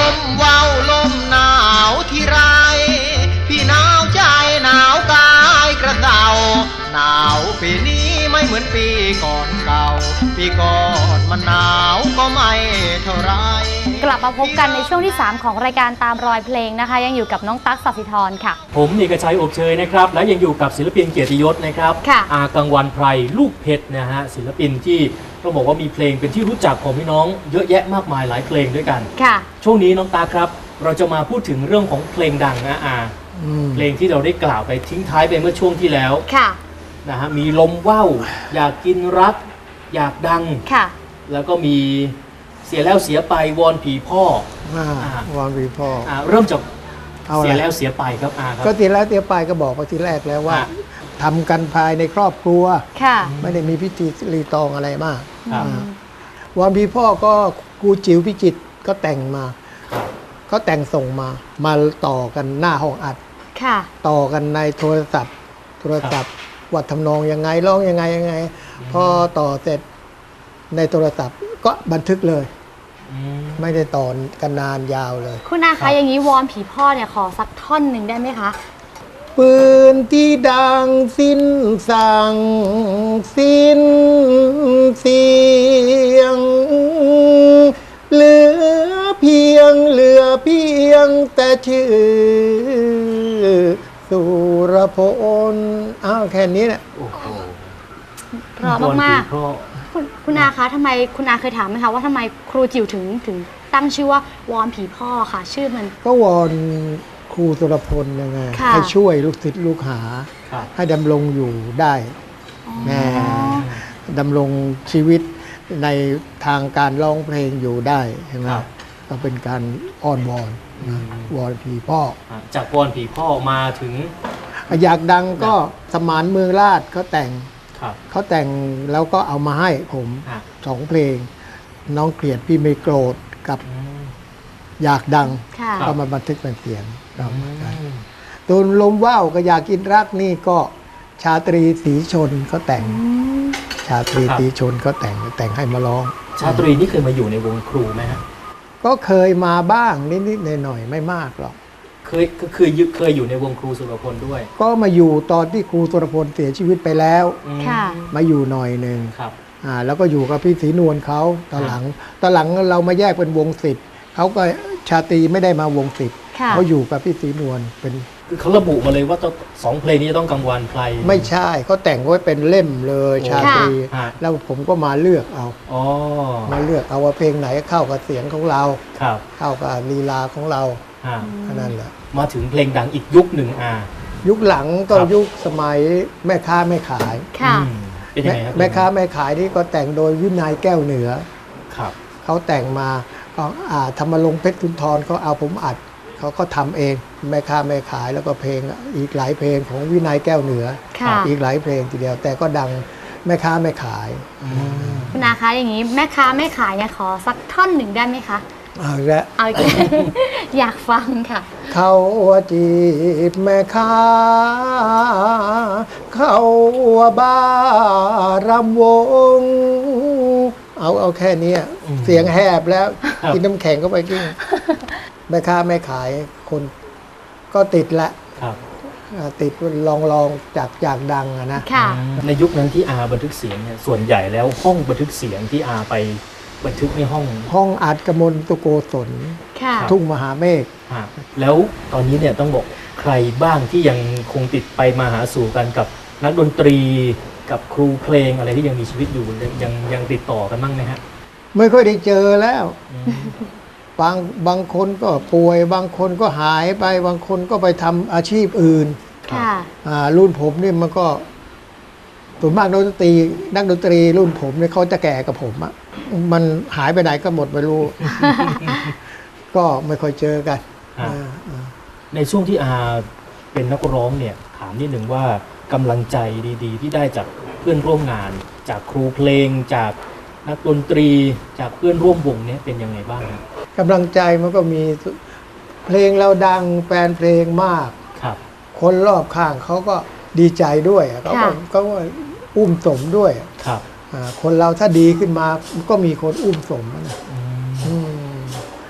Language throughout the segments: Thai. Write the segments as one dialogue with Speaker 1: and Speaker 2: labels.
Speaker 1: มว้าวลมหนาวที่ไรพี่หนาวใจหนาวกายกระเดาหนาวปีนี้ไม่เหมือนปีก่อนเก่าปีก่อนมันหนาวก็ไม่เท่าไร
Speaker 2: กลับมาพบกันในช่วงที่ 3 ของรายการตามรอยเพลงนะคะยังอยู่กับน้องตั๊ก สัสิธรค่ะ
Speaker 3: ผมเอกชัยอบเชยนะครับและยังอยู่กับศิลปินเกียรติยศนะครับอากังวันไพรลูกเพชรนะฮะศิลปินที่ต้องบอกว่ามีเพลงเป็นที่รู้จักของพี่น้องเยอะแยะมากมายหลายเพลงด้วยกัน
Speaker 2: ค่ะ
Speaker 3: ช่วงนี้น้องตาครับเราจะมาพูดถึงเรื่องของเพลงดังนะเพลงที่เราได้กล่าวไปทิ้งท้ายไปเมื่อช่วงที่แล้ว
Speaker 2: ค่ะ
Speaker 3: นะฮะมีลมว่าวอยากกินรักอยากดัง
Speaker 2: ค่ะ
Speaker 3: แล้วก็มีเสียแล้วเสียไปวอนผีพ่อ
Speaker 4: วอนผีพ่อ
Speaker 3: เริ่มจากเสียแล้วเสียไปครับครับ
Speaker 4: ก็ทีแล้วเสียไปก็บอกไปทีแรกแล้วว่าทำกันภายในครอบครัวไม่ได้มีพิธีรีตองอะไรมากวอนผีพ่อก็ครูจิ๋วพิจิตรก็แต่งมาก็แต่งส่งมาต่อกันหน้าห้องอัดต่อกันในโทรศัพท์ว่าทำนองยังไงร้องยังไงพอต่อเสร็จในโทรศัพท์ก็บันทึกเลยไม่ได้ต่อกันนานยาวเลย
Speaker 2: คุณอาคะอย่างนี้วอนผีพ่อเนี่ยขอสักท่อนหนึ่งได้ไหมคะ
Speaker 4: ปืนที่ดังสิ้นสั่งสิ้นเสียงเหลือเพียงแต่ชื่อสุรพลแค่นี้แหละ
Speaker 2: เพราะมากๆคุณอาคะทำไมคุณอาเคยถามไหมคะว่าทำไมครูจิ๋วถึงตั้งชื่อว่าวอนผีพ่อค่ะชื่อมัน
Speaker 4: ก็วอนครูสุรพลยังไงให้ช่วยลูกศิษย์ลูกหาให้ดำรงอยู่ได้ดำรงชีวิตในทางการร้องเพลงอยู่ได้ใช่ไหมก็เป็นการอ้อนวอนวอนผีพ่อ
Speaker 3: จากวอนผีพ่อมาถึง
Speaker 4: อยากดังก็สมานเมืองราชเขาแต่งแล้วก็เอามาให้ผม2 เพลงน้องเกลียดพี่ไม่โกรธกับอยากดังก็มาบันทึกเป็นเสียงตูนลมว่าวก็อยากกินรักนี่ก็ชาตรีศรีชนเขาแต่งชาตรีศรีชนเขาแต่งให้มาร้อง
Speaker 3: ชาตรีนี่เคยมาอยู่ในวงครูไหมฮะ
Speaker 4: ก็เคยมาบ้างนิดๆหน่อยๆไม่มากหรอก
Speaker 3: เคยอยู่ในวงครูสุรพลด้วย
Speaker 4: ก็มาอยู่ตอนที่ครูสุรพลเสียชีวิตไปแล้วมาอยู่หน่อยหนึ่งแล้วก็อยู่กับพี่ศรีนวลเขาตอนหลังเรามาแยกเป็นวงศิษย์เขาก็ชาตรีไม่ได้มาวงศิษย์เขาอยู่กับพี่ศรีนวลเป็น
Speaker 3: เขาระบุมาเลยว่า2 เพลงนี้จะต้องกังวานไพร
Speaker 4: ไม่ใช่เขาแต่งไว้เป็นเล่มเลยชาตรีแล้วผมก็มาเลือกเอามาเลือกเอาว่าเพลงไหนเข้ากับเสียงของเราเข้ากับลีลาของเรานั่นแหละ
Speaker 3: มาถึงเพลงดังอีกยุคหนึ่ง
Speaker 4: ยุคหลังก็ยุคสมัยแม่ค้าแม่ขายแม่ค้าแม่ขายนี่ก็แต่งโดยวินัยแก้วเหนือเขาแต่งมาก็ธรรมรงค์เพชรสุนทรเขาเอาผมอัดเขาก็ทำเองแม่ค้าแม่ขายแล้วก็เพลงอีกหลายเพลงของวินัยแก้วเหนืออีกหลายเพลงทีเดียวแต่ก็ดังแม่ค้าแม่ขาย
Speaker 2: คุณอาคะอย่างนี้แม่ค้าแม่ขายเนี่ยขอสักท่อนหนึ่งได้ไหมคะ
Speaker 4: เอาละ
Speaker 2: อยากฟังค่ะ
Speaker 4: เขาจีบแม่ค้าเขาบ้ารำวงเอาแค่นี้เสียงแหบแล้วกินน้ำแข็งเข้าไปกินแม่ค้าแม่ขายคนก็ติดละติดลองจากดังนะ
Speaker 3: ในยุคนั้นที่บันทึกเสียงเนี่ยส่วนใหญ่แล้วห้องบันทึกเสียงที่ไปบันทึกใน
Speaker 4: ห้องอัดกมลตุโกศลทุ่งมหาเมฆ
Speaker 3: แล้วตอนนี้เนี่ยต้องบอกใครบ้างที่ยังคงติดไปมาหาสู่กันกับนักดนตรีกับครูเพลงอะไรที่ยังมีชีวิตอยู่ยังติดต่อกันบ้างไหมฮะ
Speaker 4: ไม่ค่อยได้เจอแล้วบางคนก็ป่วยบางคนก็หายไปบางคนก็ไปทำอาชีพอื่นรุ่นผมนี่มันก็ส่วนมากนักดนตรีรุ่นผมเนี่ยเขาจะแก่กับผมอะมันหายไปไหนก็หมดไม่รู้ ก็ไม่ค่อยเจอกัน
Speaker 3: ในช่วงที่เป็นนักร้องเนี่ยถามนิดหนึ่งว่ากำลังใจดีๆที่ได้จากเพื่อนร่วมงานจากครูเพลงจากนักดนตรีจากเพื่อนร่วมวงเนี่ยเป็นยังไงบ้าง
Speaker 4: กำลังใจมันก็มีเพลงเราดังแฟนเพลงมากคนรอบข้างเขาก็ดีใจด้วยเขาก็อุ้มสมด้วยคนเราถ้าดีขึ้นมาก็มีคนอุ้มสมนะก็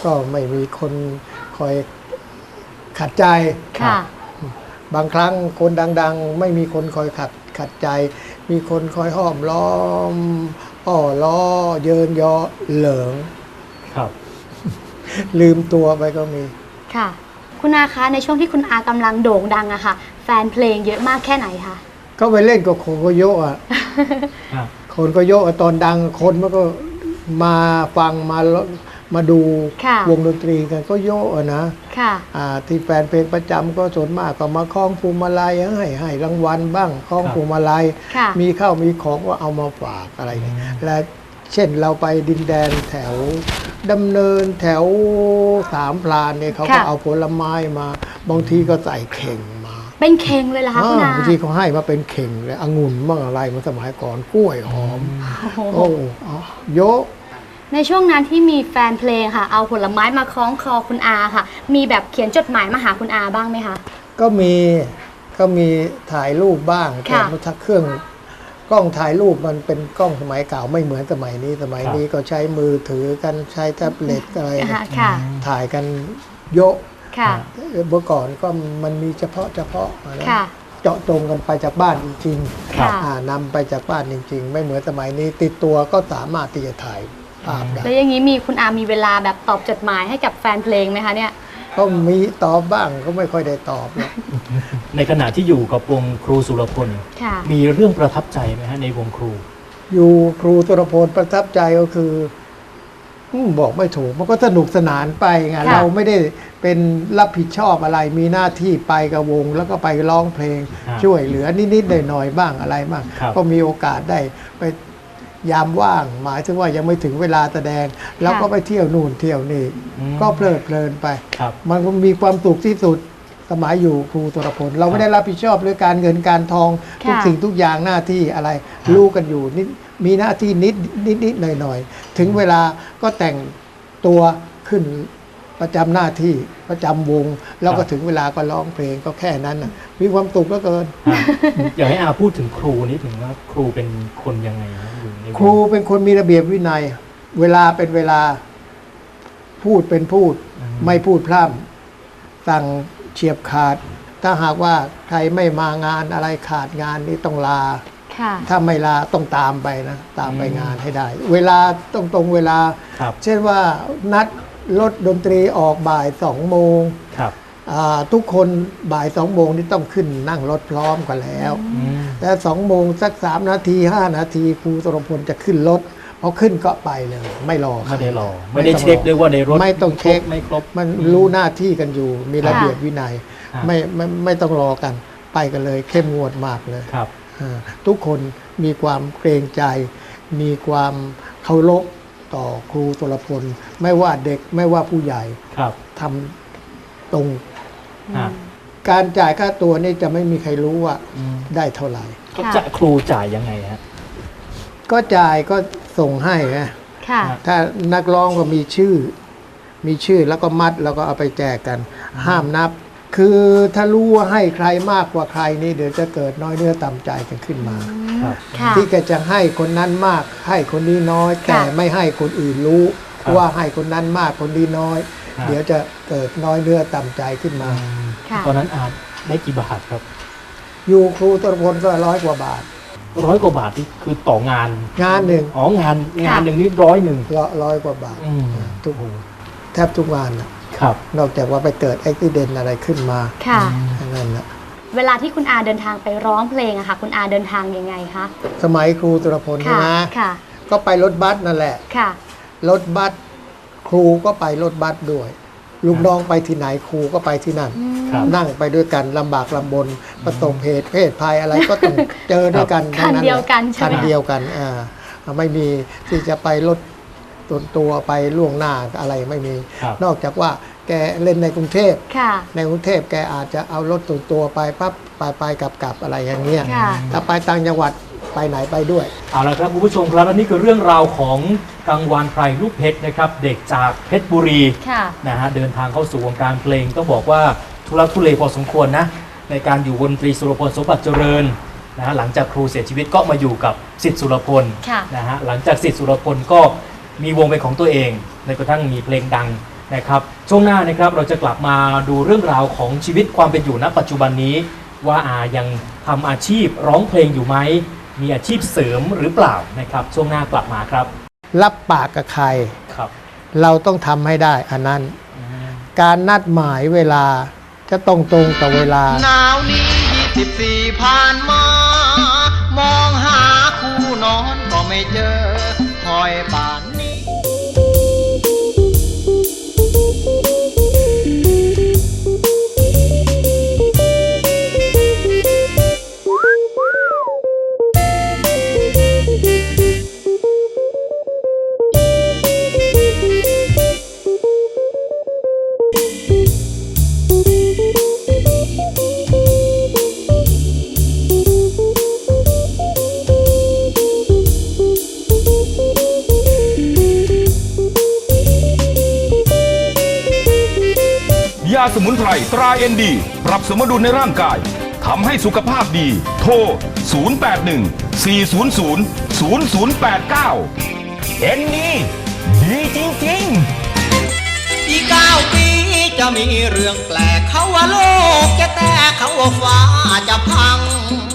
Speaker 4: ก็ไม่มีคนคอยขัดใจ
Speaker 2: ค่ะ
Speaker 4: บางครั้งคนดังๆ ไม่มีคนคอยขัดใจ มีคนคอยห้อมล้อมอ้อล้อเยินยอเหลิง
Speaker 3: ครับ
Speaker 4: ลืมตัวไปก็มี
Speaker 2: ค่ะ คุณอาคะในช่วงที่คุณอากำลังโด่งดังอะค่ะ แฟนเพลงเยอะมากแค่ไหนคะ
Speaker 4: ก็ไปเล่นกับโคนโกโยะอ่ะ
Speaker 3: ครับ
Speaker 4: โคนโกโยะตอนดังคนมันก็มาฟังมาดู
Speaker 2: ค่ะ
Speaker 4: วงดนตรีกันก็โยะอะนะ
Speaker 2: ค่ะ
Speaker 4: ที่แฟนเพลงประจำก็ส่วนมากก็มาคล้องพวงมาลัยให้รางวัลบ้างคล้อง
Speaker 3: ครับ
Speaker 4: พวงมาลัย
Speaker 2: ค่ะ
Speaker 4: มีข้าวมีของก็เอามาฝากอะไรเนี่ยและเช่นเราไปดินแดนแถวดำเนินแถวสามพรานเนี่ยเขาก็
Speaker 2: ค่ะ
Speaker 4: เอาผลไม้มา บางทีก็ใส่เข่งมา
Speaker 2: เป็นเข่งเลยเหรอคะคุณอา
Speaker 4: บางทีเขาให้มาเป็นเข่งเลยองุ่นบ้างอะไรมาสมัยก่อนกล้วยหอม
Speaker 2: โอ้โห
Speaker 4: โอ้โยะ
Speaker 2: ในช่วงนั้นที่มีแฟนเพลงค่ะ เอาผลไม้มาคล้องคอคุณอาค่ะ มีแบบเขียนจดหมายมาหาคุณอาบ้างไหมคะ
Speaker 4: ก็มีถ่ายรูปบ้างแต่
Speaker 2: ค่ะ
Speaker 4: มันถ้าเครื่องกล้องถ่ายรูปมันเป็นกล้องสมัยเก่าไม่เหมือนสมัยนี้ก็ใช้มือถือกันใช้แท็บเล็ตอะไร
Speaker 2: ค่ะ
Speaker 4: ถ่ายกันโยะ
Speaker 2: ค่ะ
Speaker 4: เมื่อก่อนก็มันมีเฉพาะนะ
Speaker 2: ค่ะ
Speaker 4: เจาะจงกันไปจากบ้านจริง
Speaker 2: ค่ะ
Speaker 4: นำไปจากบ้านจริง ๆ ไม่เหมือนสมัยนี้ติดตัวก็สามารถที่จะถ่ายภาพได้
Speaker 2: แล้วอย่างนี้มีคุณอามีเวลาแบบตอบจดหมายให้กับแฟนเพลงไหมคะเนี่ย
Speaker 4: ก็มีตอบบ้างก็ไม่ค่อยได้ตอบหรอก
Speaker 3: ในขณะที่อยู่กับวงครูสุรพล
Speaker 2: ค่ะ
Speaker 3: มีเรื่องประทับใจไหมฮะในวงครู
Speaker 4: อยู่ครูตุรพลประทับใจก็คือบอกไม่ถูกมันก็สนุกสนานไปไง
Speaker 2: ค่ะ
Speaker 4: เราไม่ได้เป็นรับผิดชอบอะไรมีหน้าที่ไปกับวง แล้วก็ไปร้องเพลง
Speaker 3: ครับ
Speaker 4: ช่วยเหลือนิดๆหน่อยๆบ้างอะไรบ้าง
Speaker 3: ครับ
Speaker 4: ก็มีโอกาสได้ไปยามว่าง หมายถึงว่ายังไม่ถึงเวลาแสดง แล้วก็ไปเที่ยวนู่นเที่ยวนี่
Speaker 3: อืม
Speaker 4: ก็เพลิดเพลินไป
Speaker 3: ครับ
Speaker 4: มันก็มีความสุขที่สุดสมัยอยู่ครูตุรพลเราไม่ได้รับผิดชอบเรื่องการเงินการทองทุก
Speaker 2: ค่ะ
Speaker 4: สิ่งทุกอย่างหน้าที่อะไร
Speaker 3: ครับ
Speaker 4: รู้กันอยู่นิดมีหน้าที่นิดหน่อยถึงเวลาก็แต่งตัวขึ้นประจำหน้าที่ประจำวง แล้วก็ถึงเวลาก็ร้องเพลงก็แค่นั้นน่ะมีความสุขเหลือเกิน
Speaker 3: อยากให้อาพูดถึงครูนี่ถึงว่าครูเป็นคนยังไงนะอยู่ในวง
Speaker 4: ครูเป็นคนมีระเบียบวินัย เวลาเป็นเวลาพูดเป็นพูด ไม่พูดพร่ำสั่งเฉียบขาด ถ้าหากว่าใครไม่มางานอะไรขาดงานนี่ต้องลา
Speaker 2: ค่ะ
Speaker 4: ถ้าไม่ลาต้องตามไปนะตามไปงานให้ได้ เวลาต้องตรงเวลา
Speaker 3: ครับ
Speaker 4: เช่นว่านัดรถดนตรีออกบ่าย2 โมง
Speaker 3: ครับ
Speaker 4: ทุกคนบ่าย2 โมงนี่ต้องขึ้นนั่งรถพร้อมกันแล้ว
Speaker 3: อืม
Speaker 4: แต่2 โมงสัก3 นาที 5 นาทีครูสุรพลจะขึ้นรถพอขึ้นก็ไปเลย ไม่รอ
Speaker 3: ไม่ได้รอไม่ได้เช็คด้วยว่าในรถ
Speaker 4: ไม่ต้องเช็ค
Speaker 3: ไม่ครบ
Speaker 4: มันรู้หน้าที่กันอยู่ มีระเบียบวินัย
Speaker 3: ครับ
Speaker 4: ไม่ต้องรอกัน ไปกันเลยเข้มงวดมากเลย
Speaker 3: ครับ
Speaker 4: ทุกคนมีความเกรงใจ มีความเคารพต่อครูสุรพลไม่ว่าเด็กไม่ว่าผู้ใหญ่
Speaker 3: ครับ
Speaker 4: ทำตรง
Speaker 3: ฮะ
Speaker 4: การจ่ายค่าตัวนี่จะไม่มีใครรู้ว่า
Speaker 3: อืม
Speaker 4: ได้เท่าไหร่
Speaker 3: ก็จะครูจ่ายยังไงฮะ
Speaker 4: ก็จ่ายก็ส่งให้นะ
Speaker 2: ค่ะ
Speaker 4: ถ้านักร้องก็มีชื่อแล้วก็มัดแล้วก็เอาไปแจกกัน ห้ามนับ คือถ้ารู้ว่าให้ใครมากกว่าใครนี่เดี๋ยวจะเกิดน้อยเนื้อต่ำใจกันขึ้นมา
Speaker 3: ครับ
Speaker 2: ค่ะ
Speaker 4: ที่แกจะให้คนนั้นมากให้คนนี้น้อย
Speaker 2: ค่ะ
Speaker 4: แต่ไม่ให้คนอื่นรู้
Speaker 3: ครับ
Speaker 4: ว่าให้คนนั้นมากคนนี้น้อย
Speaker 3: ครับ
Speaker 4: เดี๋ยวจะเกิดน้อยเนื้อต่ำใจขึ้นมา
Speaker 2: ค่ะ
Speaker 3: ตอนนั้นอาได้กี่บาทครับ
Speaker 4: อยู่ครูตรพลก็100 กว่าบาท
Speaker 3: 100 กว่าบาทนี่คือต่องาน
Speaker 4: งานหนึ่ง
Speaker 3: อ๋องานหนึ่งนี่100
Speaker 4: 100 กว่าบาท
Speaker 3: อืม
Speaker 4: ทุกแทบทุกงานน่ะ
Speaker 3: ครับ
Speaker 4: นอกจากว่าไปเกิดอุบิเหตุอะไรขึ้นมา
Speaker 2: ค่ะ
Speaker 4: อันนั้นนะ
Speaker 2: เวลาที่คุณอาเดินทางไปร้องเพลงอะค่ะ คุณอาเดินทางยังไงคะ
Speaker 4: สมัยครูตรพล
Speaker 2: ค่ะ
Speaker 4: นะ
Speaker 2: ค่ะ
Speaker 4: ก็ไปรถบัสนั่นแหละ
Speaker 2: ค่ะ
Speaker 4: รถบัสครูก็ไปรถบัสด้วย ลูกน้องไปที่ไหนครูก็ไปที่นั่น
Speaker 3: ครับ
Speaker 4: นั่งไปด้วยกันลำบากลำบนประสบเหตุเพศภัยอะไรก็ต้องเจอด้วยกัน
Speaker 2: คันเดียวกันใช่
Speaker 4: คั
Speaker 2: ไหม
Speaker 4: นเดียวกันไม่มีที่จะไปรถตัวไปล่วงหน้าอะไรไม่มี
Speaker 3: ครับ
Speaker 4: นอกจากว่าแกเล่นในกรุงเทพ
Speaker 2: ค่ะ
Speaker 4: ในกรุงเทพแกอาจจะเอารถตัวไปปั๊บไปกลับอะไรอย่างเงี้ย
Speaker 2: ค่ะ
Speaker 4: ถ้าไปต่างจังหวัดไปไหนไปด้วย
Speaker 3: เอาละครับคุณผู้ชมครับและนี่คือเรื่องราวของกังวานไพรลูกเพชรนะครับ เด็กจากเพชรบุรี
Speaker 2: ค่ะ
Speaker 3: นะฮะเดินทางเข้าสู่วงการเพลงต้องบอกว่าทุลักทุเลพอสมควรนะในการอยู่วงดนตรีสุรพลสมบัติเจริญนะฮะหลังจากครูเสียชีวิตก็มาอยู่กับศิษย์สุรพล
Speaker 2: ค่ะ
Speaker 3: นะฮะหลังจากศิษย์สุรพลก็มีวงเป็นของตัวเองในกระทั่งมีเพลงดังนะครับช่วงหน้านะครับเราจะกลับมาดูเรื่องราวของชีวิตความเป็นอยู่ณปัจจุบันนี้ ว่าอายังทำอาชีพร้องเพลงอยู่ไหมมีอาชีพเสริมหรือเปล่านะครับช่วงหน้ากลับมาครับ
Speaker 4: รับปากกับใคร
Speaker 3: ครับ
Speaker 4: เราต้องทำให้ได้อันนั้น การนัดหมายเวลาจะต้องตรงต่อเวลา
Speaker 1: หนาวนี้24ผ่านมา มองหาคู่นอนก็ไม่เจอ คอยป่านนี้
Speaker 5: ยาสมุนไพรตราเอ็นดีปรับสมดุลในร่างกายทำให้สุขภาพดี โทร 081 400 0089 เอ็นดีดีจริงๆ
Speaker 1: อีก9 ปีจะมีเรื่องแปลกเขาว่าโลกจะแตกเขาว่าฟ้าจะพัง